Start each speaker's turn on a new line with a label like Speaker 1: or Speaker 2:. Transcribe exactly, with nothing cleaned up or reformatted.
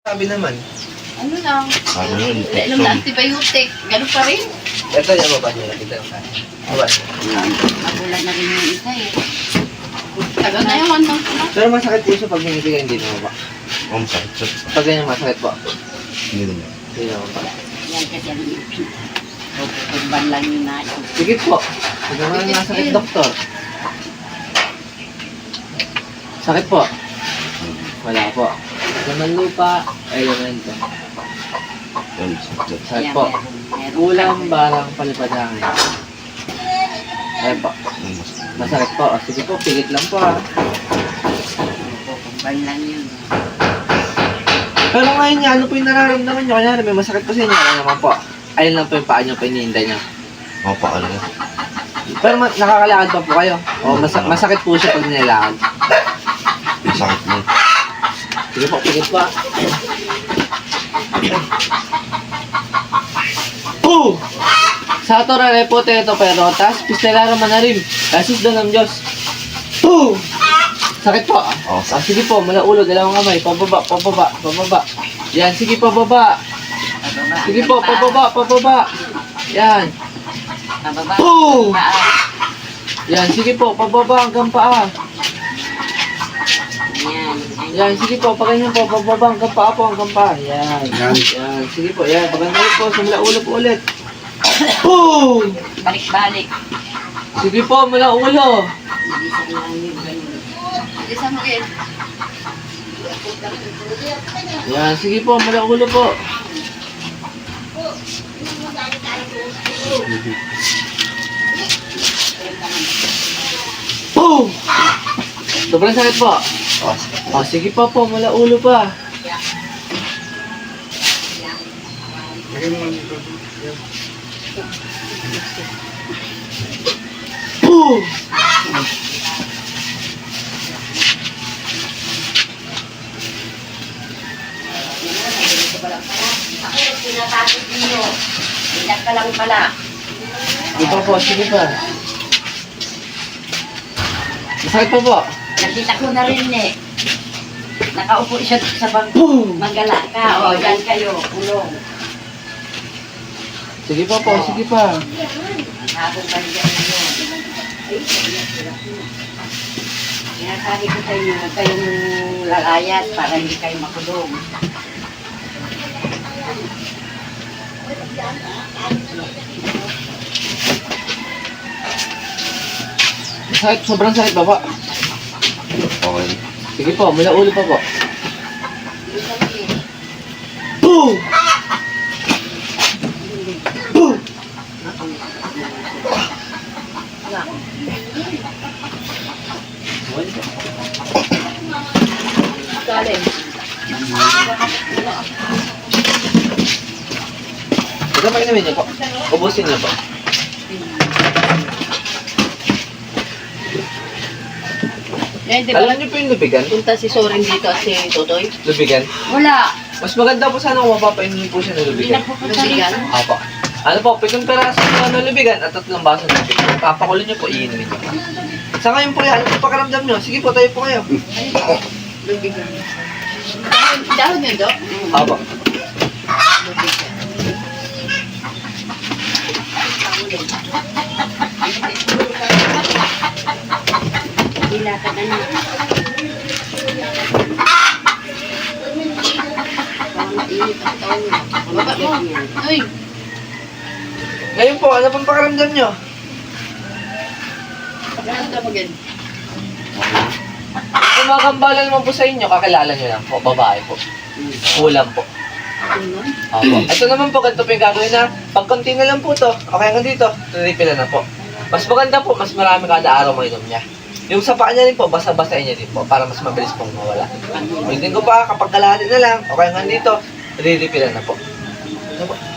Speaker 1: Sabi naman.
Speaker 2: Ano lang?
Speaker 3: Ano yun?
Speaker 2: Inom na antibiotic. Ganun pa rin.
Speaker 1: Ito yung mababa nila. Ito yung mababa.
Speaker 2: Magulat na rin yung isa eh. Tagal na yun. Ano?
Speaker 1: Pero masakit po siya pag hindi ka hindi mababa.
Speaker 3: Ang sakit siya.
Speaker 1: Pag ganyan masakit po.
Speaker 3: Hindi naman.
Speaker 1: Hindi naman pala.
Speaker 2: Yan kasi ang pagban lang yung nasa.
Speaker 1: Sige po. Pag naman ang nasakit, doktor. Sakit po. Wala po. Laman lupa. Ay, laman ito.
Speaker 3: Yan, sakit.
Speaker 1: Sakit po. Ulam, barang, palipadangin. Ayun po.
Speaker 3: Ang masakit.
Speaker 1: Masakit po. O, sige po, pigit lang po ha.
Speaker 2: Pagban lang yun.
Speaker 1: Pero ngayon niya, ano po yung nararamdaman niyo? Kanyari, may masakit po sa inyo. Ano naman po? Ayun lang po yung paa niyo, pinihinda niyo.
Speaker 3: Mga paano na.
Speaker 1: Pero ma- nakakalakad pa po kayo. O, mas- masakit po siya pag nilakad.
Speaker 3: Sakit mo.
Speaker 1: Sige po, pigit po. Oh! Sa torare po teto perotas, pistellaro manarim, kasis doon ng Diyos. Oh! Sakit po.
Speaker 3: Oo,
Speaker 1: Ah, sige po, mula ulo, dalawang kamay, pababa, pababa, pababa. Yan, sige, pababa. Sige po, pababa, pababa. Yan.
Speaker 2: Pababa.
Speaker 1: Oh!
Speaker 2: Paa.
Speaker 1: Yan, sige po, pababa hanggang paa.
Speaker 2: Yan.
Speaker 1: Yan, sige po, pag ganyan po, pababa hanggang paa po, hanggang paa. Yan.
Speaker 3: Yan.
Speaker 1: Yan, sige po, yan. Pag ganyan po, simula ulo po ulit. Oh!
Speaker 2: Balik-balik.
Speaker 1: Sige po, mula ulo.
Speaker 2: Bilisan lang yun. Bilisan mo yun.
Speaker 1: Yan, sige po, mula ulo po. Oh! Sobrang sakit po.
Speaker 3: Oh,
Speaker 1: Oh, sige pa po, mula ulo pa. Oh!
Speaker 2: Ako, pinatakot niyo. Ilag ka lang pala.
Speaker 1: Sige pa po, sige pa. Masakit pa po.
Speaker 2: Nakita ko na rin eh. Nakaupo siya sa bangko.
Speaker 1: Boom!
Speaker 2: Magala ka. O, yan kayo. Ulong.
Speaker 1: Sige pa po, sige pa.
Speaker 2: Habang balikan na yun. Sinasabi ko sa inyo, huwag kayong lalayat para hindi kayo makulong.
Speaker 1: Masakit, sobrang sakit pa po.
Speaker 3: okay.
Speaker 1: Sige po, mula ulo pa po. Boom! Boom!
Speaker 2: Galing.
Speaker 1: Ito pa inumin niyo po. Ubusin niyo po.
Speaker 2: Yan, di ba?
Speaker 1: Alam niyo po yung lubigan?
Speaker 2: Punta si Soren dito at si Totoy.
Speaker 1: Lubigan?
Speaker 2: Wala.
Speaker 1: Mas maganda po sana kung mapapainumin po siya ng
Speaker 2: Hindi
Speaker 1: lubigan.
Speaker 2: nagpupunta rito.
Speaker 1: Apo. Ano po, pitong peraso ng ano, lubigan at tatlong baso ng lubigan. Papakulo niyo po, iinumin niyo. Sa ngayon po yan, ano po pakaramdam niyo? Sige po, tayo po kayo.
Speaker 2: Lubigan. Dahon, dahon yun, Dok?
Speaker 1: Apo.
Speaker 2: Hilatan na na. Parang mainit ang taon niya. Baba mo. Uy.
Speaker 1: Ngayon po, ano pong pakaramdam niyo?
Speaker 2: Ganun ka magin.
Speaker 1: Kung makakambala naman po sa inyo, kakilala niyo lang po, babae po. Kulang po.
Speaker 2: Ano?
Speaker 1: Opo. Ito naman po, ganito po yung gagawin na pag konti na lang po to, okay hanggang dito, refill na po. Mas maganda po, mas marami kada araw mo inom niya. Yung sa paa niya rin po, basa-basain niya din po para mas mabilis pong mawala. Ulitin ko pa, kapag kalahati na lang, okay hanggang dito, re-refill na po. Ano po?